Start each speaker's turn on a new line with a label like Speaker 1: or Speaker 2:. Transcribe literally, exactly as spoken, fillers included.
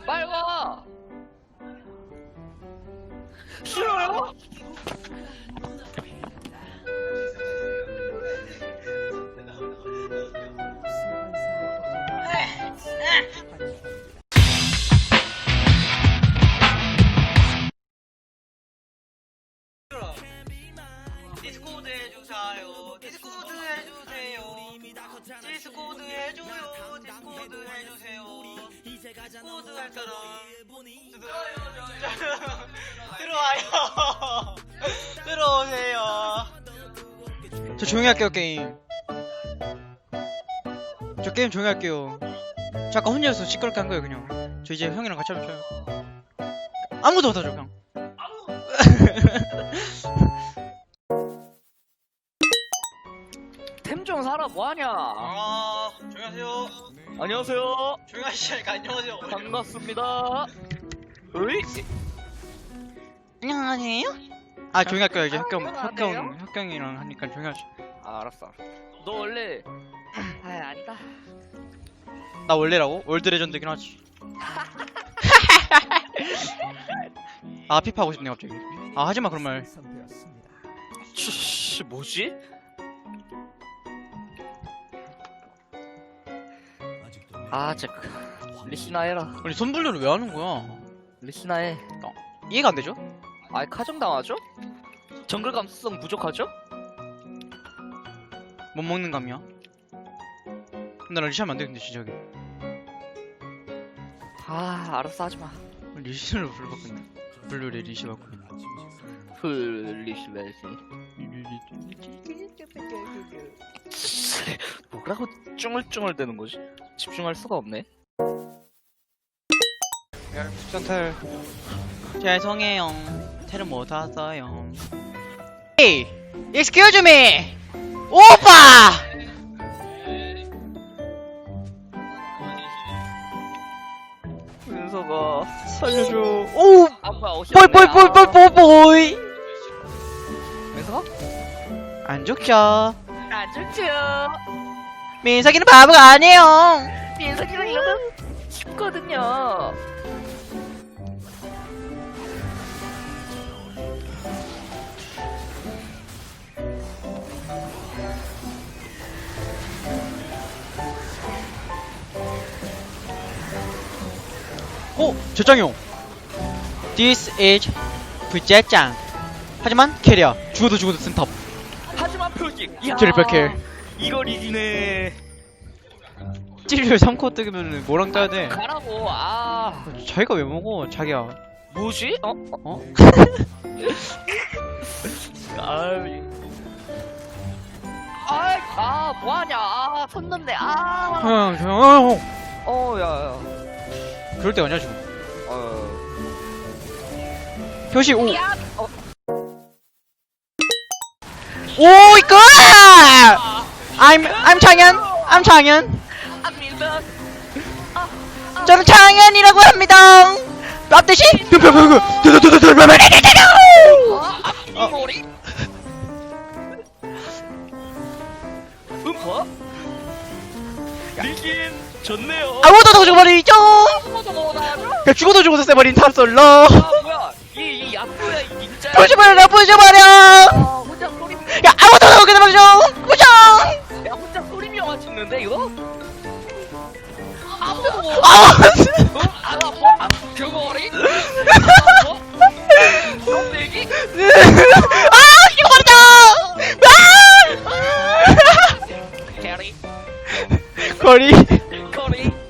Speaker 1: 빨리 와. 싫어요?
Speaker 2: 디스코드 해주세요. 디스코드 해주세요. 디스코드 해줘요. 디스코드 해주세요. 디스코드 할 사람 들어와요. 들어오세요.
Speaker 3: 저 조용히 할게요 게임. 저 게임 조용히 할게요. 저 아까 혼자서 시끄럽게 한 거예요 그냥. 저 이제 형이랑 같이 하면 쳐요. 아무도 못하죠 그냥.
Speaker 1: 템 좀 사라 뭐하냐?
Speaker 2: 아, 조용히 하세요.
Speaker 1: 안녕하세요.
Speaker 2: 조용히 하시니까 안녕하세요.
Speaker 1: 반갑습니다. 으이?
Speaker 3: 안녕하세요. 아 조용히 할게요 이제 학경
Speaker 1: 안녕하세요.
Speaker 3: 학경 학경이랑 하니까 조용히 하지.
Speaker 1: 아, 알았어. 너 원래 아 아니다.
Speaker 3: 나 원래라고? 월드 레전드긴 하지. 아 피파 하고 싶네 갑자기. 아 하지마 그런 말.
Speaker 1: 씨, 뭐지? 아, 쟤 리시나 해라.
Speaker 3: 아니 손불려를 왜 하는 거야?
Speaker 1: 리시나 해.
Speaker 3: 이해가 안 되죠?
Speaker 1: 아이 카정 당하죠? 정글 감수성 부족하죠?
Speaker 3: 못 먹는 감이야. 근데 나 리시하면 안 되는데 진짜.
Speaker 1: 아, 알았어 하지 마.
Speaker 3: 리시를 불러봤거든. 블루레 리시 바꾸는.
Speaker 1: 플리시 메시. 뭐라고 쭝얼쭝얼 되는 거지? 집중할 수가 없네.
Speaker 3: 센텔 죄송해요. 텔을 못 왔어요. Hey, excuse me, 오빠.
Speaker 1: 윤서가
Speaker 3: 살려줘. 오,
Speaker 1: 아 뭐야 옷이
Speaker 3: 보이 보이
Speaker 1: 없네.
Speaker 3: 보이 보이 보이 보이.
Speaker 1: 윤서가?
Speaker 3: 안 좋죠.
Speaker 1: 안 좋죠.
Speaker 3: 민석이는 바보가 아니에요.
Speaker 1: 민석이랑 이런 거 쉽거든요.
Speaker 3: 오, 제짱용. This is 부제짱. 하지만 캐리야. 죽어도 죽어도 쓴탑.
Speaker 1: 하지만 표지. 야,
Speaker 3: 트리플 킬.
Speaker 1: 이걸 이기네.
Speaker 3: 찌를 삼 코 뜨면은 뭐랑 짜야 돼?
Speaker 1: 가라고. 아,
Speaker 3: 자기가 왜 먹어? 자기야.
Speaker 1: 뭐지? 어?
Speaker 3: 어?
Speaker 1: 아이. 아이, 아, 뭐하냐? 아, 섰는데. 아.
Speaker 3: 형, 형, 형.
Speaker 1: 어, 야, 야.
Speaker 3: 그럴 때가 아니야 지금.
Speaker 1: 어.
Speaker 3: 표시 오.
Speaker 1: 야, 어.
Speaker 3: 오 이거! I'm I'm 창현. I'm 창현.
Speaker 1: 아, 민석.
Speaker 3: 저는 창현이라고 합니다. 앞대시.
Speaker 1: 아, 머리. 음파? 리긴 좋네요.
Speaker 3: 아무도 죽어버리죠.
Speaker 1: 아무도 못하죠?
Speaker 3: 그냥 죽어도 죽어도 세버린 탑솔로.
Speaker 1: 아, 뭐야? 이, 이 야쿠야, 이 진짜.
Speaker 3: 부셔버려, 부셔버려.
Speaker 1: 아, 혼자 소리.
Speaker 3: 야 아무도 죽게 버리죠. 부셔.
Speaker 1: 야, 혼자 소리명화 찍는데 이거? 아무도 못.
Speaker 3: 아,
Speaker 1: 어? 아, 뭐? 아, 교거리? 아, 뭐? 껍데기?
Speaker 3: 아 죽어버리죠.
Speaker 1: 캐리?
Speaker 3: 거리.
Speaker 1: 커리?